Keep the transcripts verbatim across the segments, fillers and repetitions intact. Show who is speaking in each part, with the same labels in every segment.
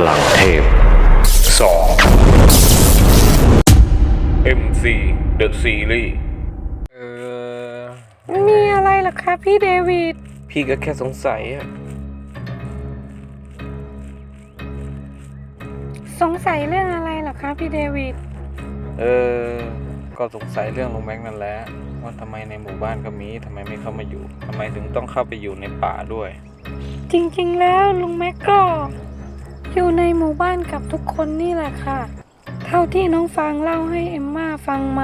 Speaker 1: ลังเทพสอง เอ็ม ซี The Series
Speaker 2: เออ
Speaker 3: มีอะไรล่ะคะพี่เดวิด
Speaker 2: พี่ก็แค่สงสัยอะ
Speaker 3: สงสัยเรื่องอะไรล่ะคะพี่เดวิด
Speaker 2: เออ ก็สงสัยเรื่องลุงแม็กนั่นแหละว่าทำไมในหมู่บ้านก็มีทำไมไม่เข้ามาอยู่ทำไมถึงต้องเข้าไปอยู่ในป่าด้วย
Speaker 3: จริงๆแล้วลุงแม็กก็อยู่ในหมู่บ้านกับทุกคนนี่แหละค่ะ เท่าที่น้องฟางเล่าให้เอมม่าฟังมา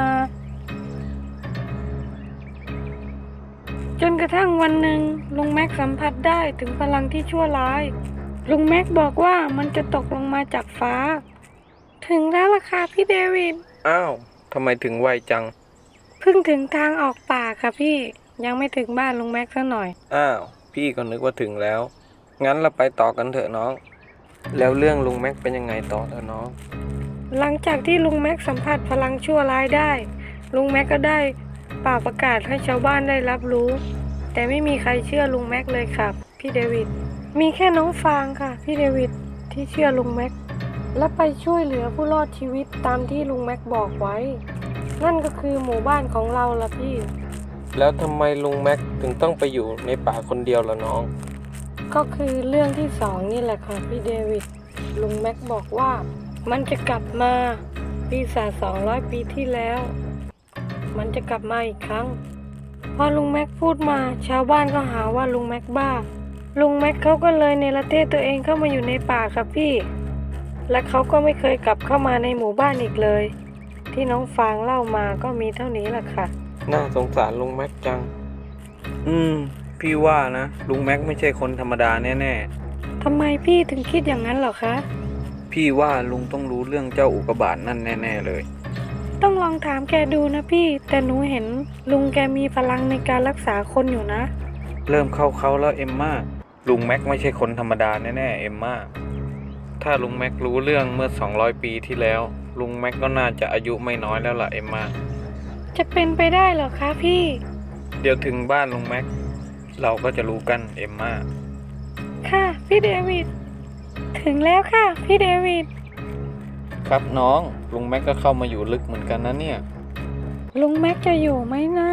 Speaker 3: จนกระทั่งวันหนึ่งลุงแม็กสัมผัสได้ถึงพลังที่ชั่วร้ายลุงแม็กบอกว่ามันจะตกลงมาจากฟ้า ถึงแล้วล่ะค่ะพี่เดวิด
Speaker 2: อ้าวทำไมถึงไวจัง
Speaker 3: เพิ่งถึงทางออกป่าค่ะพี่ยังไม่ถึงบ้านลุงแม็กซะหน่อย
Speaker 2: อ้าวพี่ก็นึกว่าถึงแล้วงั้นเราไปต่อกันเถอะน้อง แล้วเรื่องลุงแม็กเป็นยังไงต่อเถอะน้อง
Speaker 3: หลังจากที่ลุงแม็กสัมผัสพลังชั่วร้ายได้ลุงแม็กก็ได้ป่าประกาศให้ชาวบ้านได้รับรู้ แต่ไม่มีใครเชื่อลุงแม็กเลยครับพี่เดวิดมีแค่น้องฟางค่ะพี่เดวิดที่เชื่อลุงแม็กและไปช่วยเหลือผู้รอดชีวิตตามที่ลุงแม็กบอกไว้นั่นก็คือหมู่บ้านของเราล่ะพี่
Speaker 2: แล้วทำไมลุงแม็กถึงต้องไปอยู่ในป่าคนเดียวล่ะน้อง
Speaker 3: ก็คือเรื่องที่สองนี่แหละค่ะพี่เดวิดลุงแม็กบอกว่ามันจะกลับมาปีศาจสองร้อยปีที่แล้ว มันจะกลับมาอีกครั้งพอลุงแม็กพูดมาชาวบ้านก็หาว่าลุงแม็กบ้าลุงแม็กเขาก็เลยเนรเทศตัวเองเข้ามาอยู่ในป่าครับพี่และเขาก็ไม่เคยกลับเข้ามาในหมู่บ้านอีกเลยที่น้องฟางเล่ามาก็มีเท่านี้แหละค่ะ
Speaker 2: น่าสงสารลุงแม็กจัง อืม พี่ว่านะลุงแม็กไม่ใช่คนธรรมดาแน่ๆ
Speaker 3: ทำไมพี่ถึงคิดอย่างนั้นเหรอคะ
Speaker 2: พี่ว่าลุงต้องรู้เรื่องเจ้าอุกกาบาตนั่นแน่ๆเลย
Speaker 3: ต้องลองถามแกดูนะพี่แต่หนูเห็นลุงแกมีพลังในการรักษาคนอยู่นะ
Speaker 2: เริ่มเข้าเขาแล้วเอมม่าลุงแม็กไม่ใช่คนธรรมดาแน่ๆเอมม่าถ้าลุงแม็กรู้เรื่องเมื่อสองร้อยปีที่แล้วลุงแม็กก็น่าจะอายุไม่น้อยแล้วล่ะเอมม่า
Speaker 3: จะเป็นไปได้เหรอคะพี่
Speaker 2: เดี๋ยวถึงบ้านลุงแม็กเราก็จะรู้กันเอมม่า
Speaker 3: ค่ะพี่เดวิดถึงแล้วค่ะพี่เดวิด
Speaker 2: ครับน้องลุงแม็กก็เข้ามาอยู่ลึกเหมือนกันนะเนี่ย
Speaker 3: ลุงแม็กจะอยู่ไหมนะ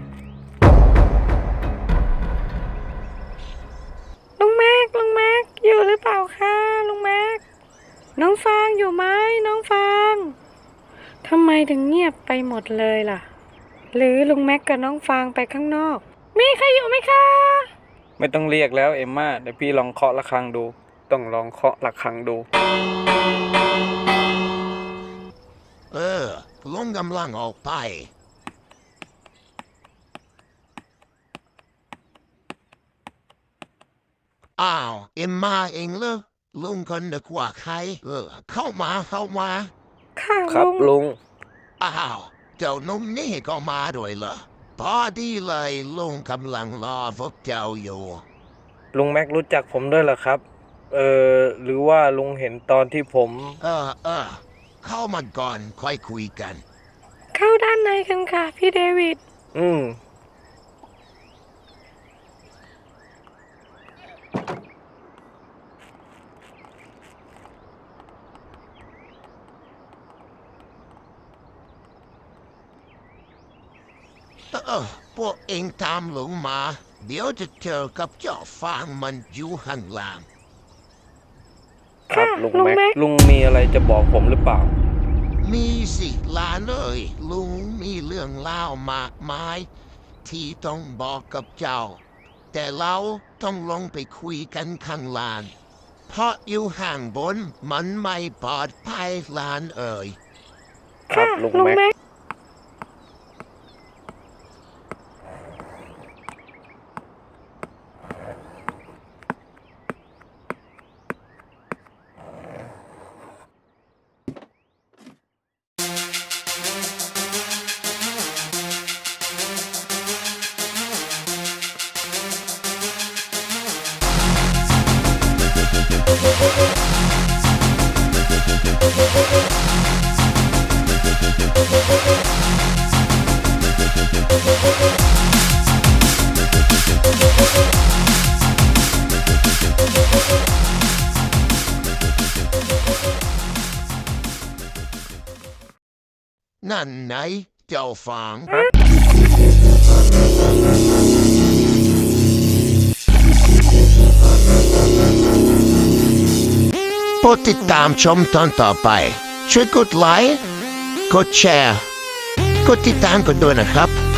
Speaker 3: ลุงแม็กลุงแม็กอยู่หรือเปล่าคะลุงแม็กน้องฟางอยู่ไหมน้องฟางทำไมถึงเงียบไปหมดเลยล่ะหรือลุงแม็กกับน้องฟางไปข้างนอกมีใครอยู่ไหมคะ
Speaker 2: ไม่ต้องเรียกแล้วเอมม่าเดี๋ยวพี่ลองเคาะระฆังดูต้องลองเคาะระฆังดู
Speaker 4: เออลุงกำลังออกไปอ้าวเอ็มมาเองเหรอลุงคนนึกว่าใครเออเข้ามาเข้ามา
Speaker 3: ค่ะ
Speaker 2: ครับ
Speaker 3: ลุง
Speaker 2: ลุง
Speaker 4: อ้าวเจ้าหนุ่มนี่ก็มาด้วยเหรอพอดีเลยลุงกำลังรอพวกเจ้าอยู่
Speaker 2: ลุงแม็กรู้จักผมด้วยเหรอครับ เออหรือว่าลุงเห็นตอนที่ผม
Speaker 4: เออเออเข้ามาก่อนค่อยคุยกัน
Speaker 3: เข้าด้านในกันค่ะพี่เดวิด
Speaker 2: อืม
Speaker 4: เออพวกเองตามลุงมา เดี๋ยวจะเจอกับเจ้าฟางมันอยู่ข้างล่าง
Speaker 2: ครับ
Speaker 3: ค่ะ
Speaker 2: ลุง
Speaker 3: ลุง
Speaker 2: แม็ก
Speaker 3: แม็ก
Speaker 2: ลุงมีอะไรจะบอกผมหรือเปล่า
Speaker 4: มีสิหลานเอ้ยลุงมีเรื่องเล่ามากมาย ที่ต้องบอกกับเจ้า แต่เราต้องลงไปคุยกันข้างล่าง เพราะอยู่ห่างบนมันไม่ปลอดภัยหลานเอ่ย
Speaker 2: ครับ
Speaker 3: ค่ะ
Speaker 2: ลุง
Speaker 3: ลุง
Speaker 2: แม็ก
Speaker 3: แม็ก
Speaker 4: Thank you. นั่นไหนเจ้าฟังโปรดติดตามชมตอนต่อไป ช่วยกดไลค์ กดแชร์ กดติดตามกันด้วยนะครับ